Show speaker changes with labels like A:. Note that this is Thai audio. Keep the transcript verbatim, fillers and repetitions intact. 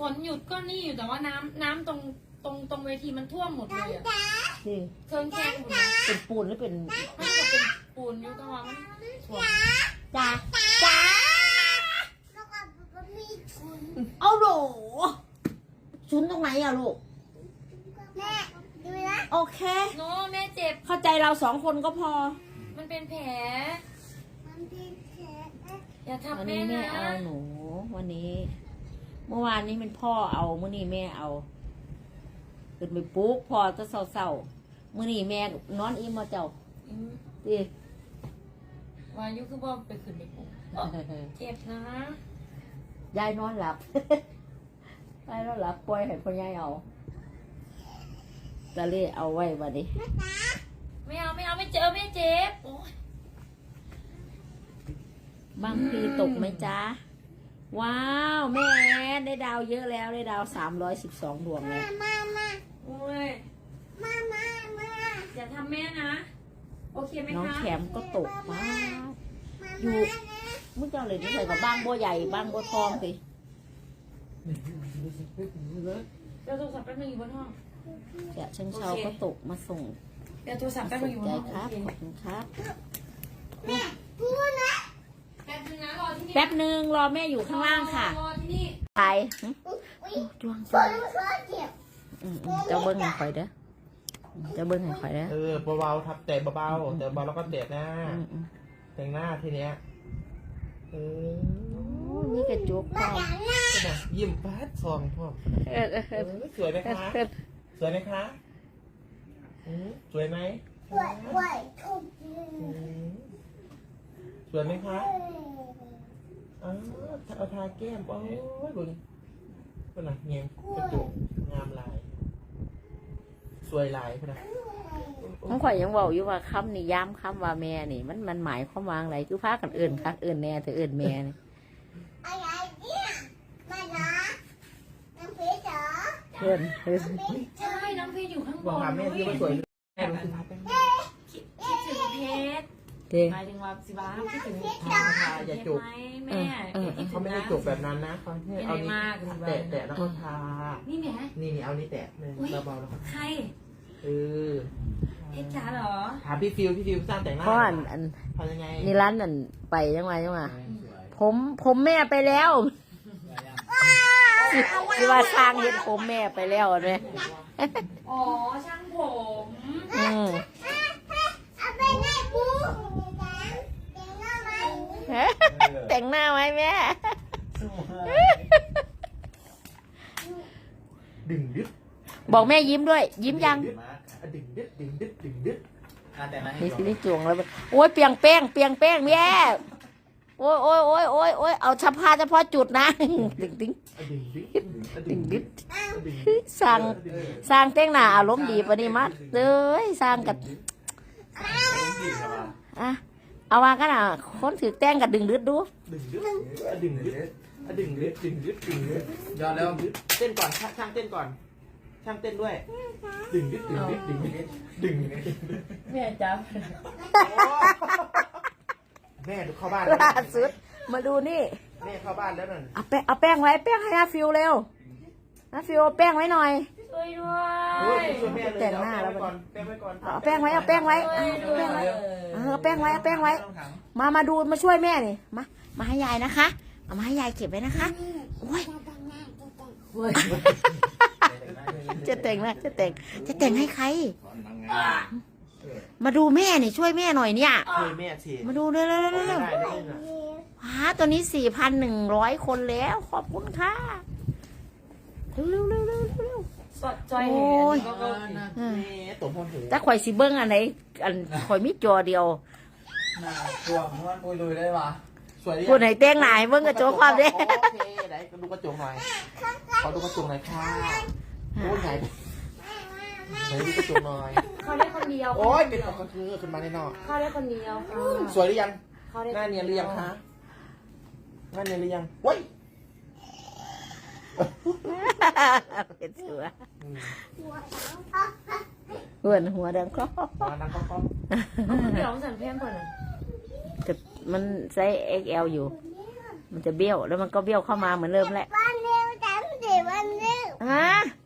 A: ฝนหยุดก็นี่อยู่แต่ว่าน้ำน้ำตรงตรงตรงเวทีมันท่วมหมดเลยอะเครื่องแกงหมดเลย
B: เป็นปูนหรือเป็น
A: มันก็เป็นปูนอยู่ก็ว่ามันท่วม
B: จ้าจ้าเอาโหลชุนตรงไหนอะลูก
C: แม่ดูนะ
B: โอเค
A: โน้แม่เจ็บ
B: เข้าใจเราสองคนก็พอ
A: มันเป็นแผล
C: มันเป็นแผล
A: อย่า
B: วัน
A: ทำแม่
B: นี้แม่
A: นะ
B: เอาหนู วันนี้ เมื่อวานนี้เป็นพ่อเอาเมื่อนี้แม่เอาขึ้นไปปลุ๊กพ่อจะเศร้าๆเมื่อนี้แม่นอนอิ่มมาเจ้า
A: อืม
B: ดิ
A: วายุคือว่าไปขึ้นไปปุ๊บเจ็บนะ
B: ยายนอนหลับ ยายนอนหลับปล่อยให้พ่อยายเอาตะเล่เอาไว้บัดนี้
A: ไม่เอาไม่เอาไม่เจอไม่เจ็บโอ้ย
B: บางทีตกไหมจ๊ะว้าวแม่แอนได้ดาวเยอะแล้วได้ดาวสามร้อยสิบสองดวงเลย
C: มามา
A: โอ้ย
C: มามามา
A: อย่าทำแม่นะ โอเคไหม
B: น้อง
A: คะ
B: แคมก็ตกว้าว
C: อยู่
B: มึงเจ้าเลยนี่ใส่กับบ้างบัวใหญ่บ้างบัวทองสิ
A: เดี๋ยวโทรศัพท์แป๊บนึงอยู่บนห้อง
B: แกะเชิงเชาก็ตกมาส่ง
A: เดี๋ยวโทรศัพท์
B: มา
A: แป๊บนึ
B: ส่
A: ง
B: ง
A: อยู่บน
B: ใจ
A: ห้อง
B: ครับ
A: โอเค
B: ขอบคุณครับ
C: แม่พูดนะ
A: แป๊บนึงนะรอที่นี่
B: แป๊บหนึ่งรอแม่อยู่ข้างล่างค่ะ
A: รอที่นี่
B: ไปหึ
C: อุ้ย
B: จวง
C: ฝนฝนเจ็บ
B: อืมๆเจ้าเบิ้งให้ข่อยเด้อเจ้าเบิ้งให้ข่อยเด้อ
D: เออเบาๆทับแต่เบาๆแต่เบาแล้วก็เด็ดหน้า
B: อืม
D: แต่งหน้าทีเนี้ยเออ
B: ๆโอ้นี่กระจุกพร้อม
D: ขนาดยิ้มฟาดซองพ่อ
B: เออเออ
D: เออสวยไหมคะ สวยไหมคะอืมสวยไหม
C: ไหวไหวทุบ
D: อืมสวยไหมคะอ๋อเอาทาแก้มโอ้ยบุญเป็นไงเงี้ยกระจุกงามลาย สวยลายเป็นไง
B: ของข่อยยังบอกอยู่ว่าคำนิยามคำว่าแม่นี่ มันมันหมายความว่าอะไรคือพากันเอื่นคักเอื่นแน่แต่เอื่นแม่นี่
C: อะไรเนี่ยมานะน้ำเพชรเหรอ
B: เอื่นเอื่น
A: ใช่น้องเพชรอยู่ข้างบ
D: บอก
A: น
D: หาแม่ที่ว่าสวยแม่รู้สึกครับ
A: คิดคิดถึงเพชร
B: เด้
A: หมายถึงว่าสิบ้าคิดถึงเพชร
D: ทาทาอย่าจุก
A: ไหมแม่คิดถึ
D: เขา
A: ง
D: ไม่ได้
A: นะ
D: จุกแบบนั้นนะเขาให้เอานี้แตะแตะแล้วก็ทา
A: นี่แหม่
D: นี่นี่เอานี่แตะเลยเบาๆแล้วก็
A: ใคร
D: เออ
A: เพชรจ๋าเหรอ
D: ถามพี่ฟิวพี่ฟิวสร้างแต่งหน้า
B: เพราะอันอัน
D: ทำยังไง
B: นี่ร้านนั่นไปยังไงยังไงผมผมแม่ไปแล้วที่ว่าสร้างเห็นผมแม่ไปแล้วเห็นไหม
A: อ๋อช่างผม
B: อืม
C: เอาไปไหนปูแต่งหน้าไหม
B: แต่งหน้าไหมแม่
D: ดึงดึ๊ด
B: บอกแม่ยิ้มด้วย ยิ้มยัง
D: ดึงดึ๊ดดึงดึ๊ดดึงดึ๊ด
B: นี่สิได้จวงแล้วโอ้ยเปียงแป้งเปียงแป้งแม่โอ้ยโอ้ยโอ้ยโอ้ยโอ้ยเอาเฉพาะเฉพาะจุดนะดึงดึง
D: ดึงดึ๊ด
B: ดึงดึง
D: ดึง
B: สร้างสร้างแต่งหน้าอารมณ์ดีปะนี่มัดเลยสร้างกับอ่ะเอาว่ากันอ่ะคนถือแต่งกับดึงดึดดู
D: ดึงดึ๊ดดึงดึ๊ดดึงดึ๊ดดึงดึ๊ดดึงดึ๊ดยอดแล้วเต้นก่อนช่างเต้นก่อนช่างเต้นด้วยดึงดึ๊ดดึงดึ๊ดดึงดึ๊ดดึง
B: แม่จับ
D: แม่ดูเข้าบ้าน
B: ล่าสุดมาดูนี่
D: แม่เข้าบ้านแล้วนั่น
B: เอาแป้งเอาแป้งไว้แป้งให้อาฟิวเร็วอาฟิวเอาแป้งไว้หน่อย
A: ช่วยด้ว
D: โอ้ย
A: ย
D: ช่วยแม่เลย
B: แต่งหน้าแล้ว
D: ก่อนแป้งไว้ก่อน
B: เอาแป้งไว้เอาแป้งไว้เอาแป้งไว้เออเอาแป้งไว้เอาแป้งไว้ มามาดูมาช่วยแม่นี่มามาให้ยายนะคะเอามาให้ยายเก็บไว้นะคะโอ้ยจะแต่งนะจะแต่งจะแต่งให้ใคร มาดูแม่นี่ช่วยแม่หน่อยเนี่ย
D: ช่วยแม่สิ
B: มาดูเร็วเร็วเร็ว
D: ไม่
B: เร็ว
D: ได้เลยนะ
B: หาตัวนี้สี่พันหนึ่งร้อยคนแล้วขอบคุณค่ะเร็วเร็วเร็วเร็วเร็ว
A: สดจอย
B: โอ้
A: เห็
B: ย
A: นก็ก็
B: เออ
D: แม่ตบหัวหู
B: แต่ข่อยสิเบิ้งอันไหนอันข่อยมีจอเดียว
E: ตัวม้วนปุยลุยได้ปะ
D: สวยดิ
B: ผู้ไหนแต่งหนายเบิ้งกระจกความเด้
D: โอเคไหนดูกระจกหน่อยขอดูกระจกหน่อยค่ะโอ้ยไหนไหนดูกระจกหน่อย
A: เขาได้คนเดียว
D: โอ้ยเป็นปกติขึ้นมาแน่นอน
A: เขาได้คนเดียวค่ะ
D: สวยหรือยัง
A: เขาได้
D: หน้าเนียนหรือยังคะหน้าเนียนหรือยังเว้ย
B: เป็นเสือเพื่อนหัวดังก็
D: มานั่งก็
A: เดี๋ยวสั่นเพิ่มก่อนนะ
B: จะมันไซส์ เอ็กซ์ แอล อยู่ มันจะเบี้ยวแล้วมันก็เบี้ยวเข้ามาเหมือนเดิมแหละ
C: บ้านเร็วจังเดี๋ยวว่า
B: ฮะ